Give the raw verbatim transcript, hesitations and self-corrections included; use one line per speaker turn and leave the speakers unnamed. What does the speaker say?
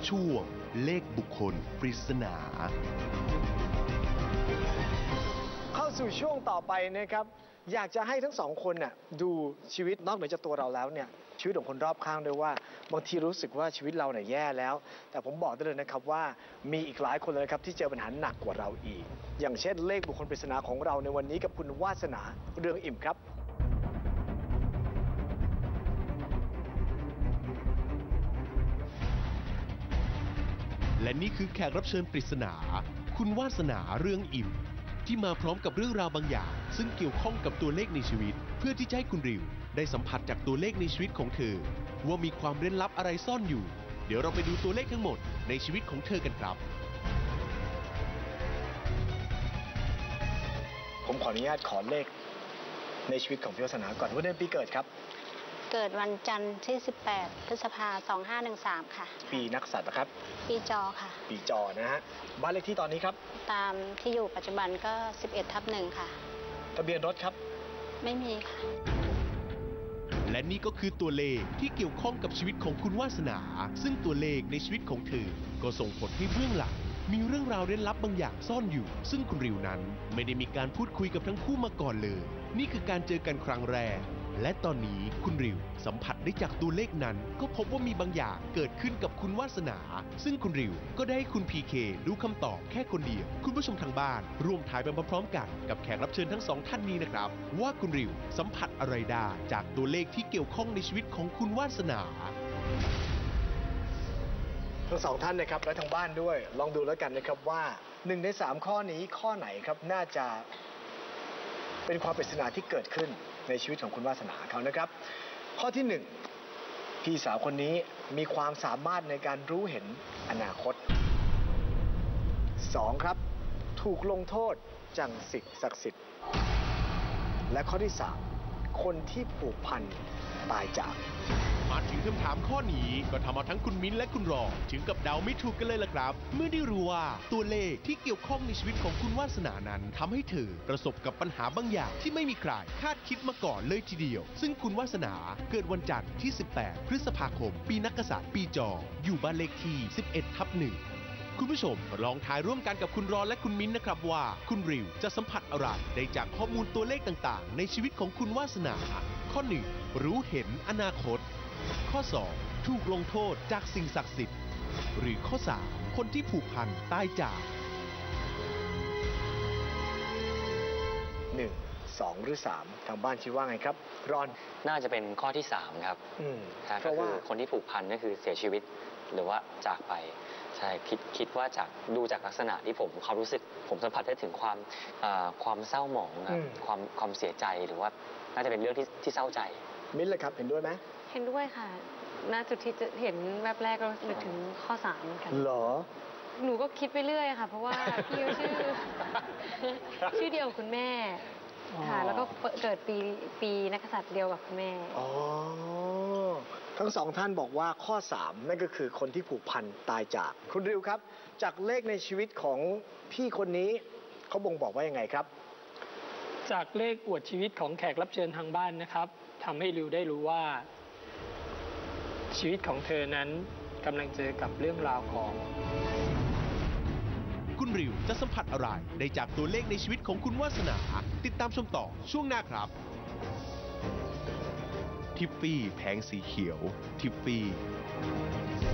ช่วงเลขบุคคลปริศนา
เข้าสู่ช่วงต่อไปนะครับอยากจะให้ทั้งสองคนน่ะดูชีวิตนอกเหนือจากตัวเราแล้วเนี่ยชีวิตของคนรอบข้างด้วยว่าบางทีรู้สึกว่าชีวิตเราเนี่ยแย่แล้วแต่ผมบอกได้เลยนะครับว่ามีอีกหลายคนเลยครับที่เจอปัญหาหนักกว่าเราอีกอย่างเช่นเลขบุคคลปริศนาของเราในวันนี้กับคุณวาสนาเรืองอิ่มครับ
และนี่คือแขกรับเชิญปริศนาคุณวาสนาเรืองอิ่มที่มาพร้อมกับเรื่องราวบางอย่างซึ่งเกี่ยวข้องกับตัวเลขในชีวิตเพื่อที่จะให้คุณริวได้สัมผัสจากตัวเลขในชีวิตของเธอว่ามีความเร้นลับอะไรซ่อนอยู่เดี๋ยวเราไปดูตัวเลขทั้งหมดในชีวิตของเธอกันครับ
ผมขออนุญาตขอเลขในชีวิตของพี่วาสนาก่อนวันเดือนปีเกิดครับ
เกิดวันจันทร์ที่สิบแปดพฤษภาคมสองห้าหนึ่งสามค่ะ
ปีนักษัตริย์นะครับ
ปีจอค่ะ
ปีจอนะฮะบ้านเลขที่ตอนนี้ครับ
ตามที่อยู่ปัจจุบันก็สิบเอ็ดทับหนึ่งค่ะ
ทะเบียนรถครับ
ไม่มีค่ะ
และนี่ก็คือตัวเลขที่เกี่ยวข้องกับชีวิตของคุณวาสนาซึ่งตัวเลขในชีวิตของเธอก็ส่งผลให้เบื้องหลังมีเรื่องราวเร้นลับบางอย่างซ่อนอยู่ซึ่งคุณริวนั้นไม่ได้มีการพูดคุยกับทั้งคู่มาก่อนเลยนี่คือการเจอกันครั้งแรกและตอนนี้คุณริวสัมผัสได้จากตัวเลขนั้นก็พบว่ามีบางอย่างเกิดขึ้นกับคุณวาสนาซึ่งคุณริวก็ได้ให้คุณพีเครู้คำตอบแค่คนเดียวคุณผู้ชมทางบ้านร่วมทายไปพร้อมๆกันกับแขกรับเชิญทั้งสองท่านนี้นะครับว่าคุณริวสัมผัสอะไรได้จากตัวเลขที่เกี่ยวข้องในชีวิตของคุณวาสนา
ทั้งสองท่านนะครับและทางบ้านด้วยลองดูแล้วกันนะครับว่าหนึ่งในสามข้อนี้ข้อไหนครับน่าจะเป็นความปริศนาที่เกิดขึ้นในชีวิตของคุณวาสนาเขานะครับข้อที่หนึ่งพี่สาวคนนี้มีความสามารถในการรู้เห็นอนาคตสองครับถูกลงโทษจังสิ่งศักดิ์สิทธิ์และข้อที่สามคนที่ผูกพันตายจาก
มาถึงคำถามข้อนี้ก็ทำเอาทั้งคุณมิ้นและคุณรองถึงกับเดาไม่ถูกกันเลยล่ะครับเมื่อได้รู้ว่าตัวเลขที่เกี่ยวข้องในชีวิตของคุณวาสนานั้นทำให้เธอประสบกับปัญหาบางอย่างที่ไม่มีใครคาดคิดมาก่อนเลยทีเดียวซึ่งคุณวาสนาเกิดวันจันทร์ที่สิบแปดพฤษภาคมปีนักกษัตริย์ปีจออยู่บ้านเลขที่สิบเอ็ดทับหนึ่งคุณผู้ชมลองทายร่วมกันกับคุณรอนและคุณมิ้นนะครับว่าคุณริวจะสัมผัสอะไรได้จากข้อมูลตัวเลขต่างๆในชีวิตของคุณวาสนาข้อหนึ่งรู้เห็นอนาคตข้อสองถูกลงโทษจากสิ่งศักดิ์สิทธิ์หรือข้อสามคนที่ผูกพันตายจาก
หนึ่งสองหรือสามทางบ้านคิดว่าไงครับรอน
น่าจะเป็นข้อที่สามครับ
อืม
ก็คือคนที่ผูกพันก็คือเสียชีวิตหรือว่าจากไปใช่คิดคิดว่าจากดูจากลักษณะที่ผมเขารู้สึกผมสัมผัสได้ถึงความความเศร้าหมองครับความความเสียใจหรือว่าน่าจะเป็นเรื่องที่ที่เศร้าใจ
มิ้นเลยครับเห็นด้วยไหม
เห็นด้วยค่ะณจุดที่จะเห็นแวบแรกก็นึกถึงข้อสามเหมือนกัน
เหรอ
หนูก็คิดไปเรื่อยค่ะเพราะว่าพี่ชื่อชื่อเดียวกับคุณแม่ค่ะแล้วก็เกิดปีปีนักษัตริย์เดียวกับคุณแม่
อ๋อทั้งสองท่านบอกว่าข้อสามนั่นก็คือคนที่ผูกพันตายจากคุณริวครับจากเลขในชีวิตของพี่คนนี้เขาบ่งบอกว่ายังไงครับ
จากเลขอวดชีวิตของแขกรับเชิญทางบ้านนะครับทำให้ริวได้รู้ว่าชีวิตของเธอนั้นกำลังเจอกับเรื่องราวของ
คุณริวจะสัมผัสอะไรได้จากตัวเลขในชีวิตของคุณวาสนาติดตามชมต่อช่วงหน้าครับทิฟฟี่แผงสีเขียวทิฟฟี่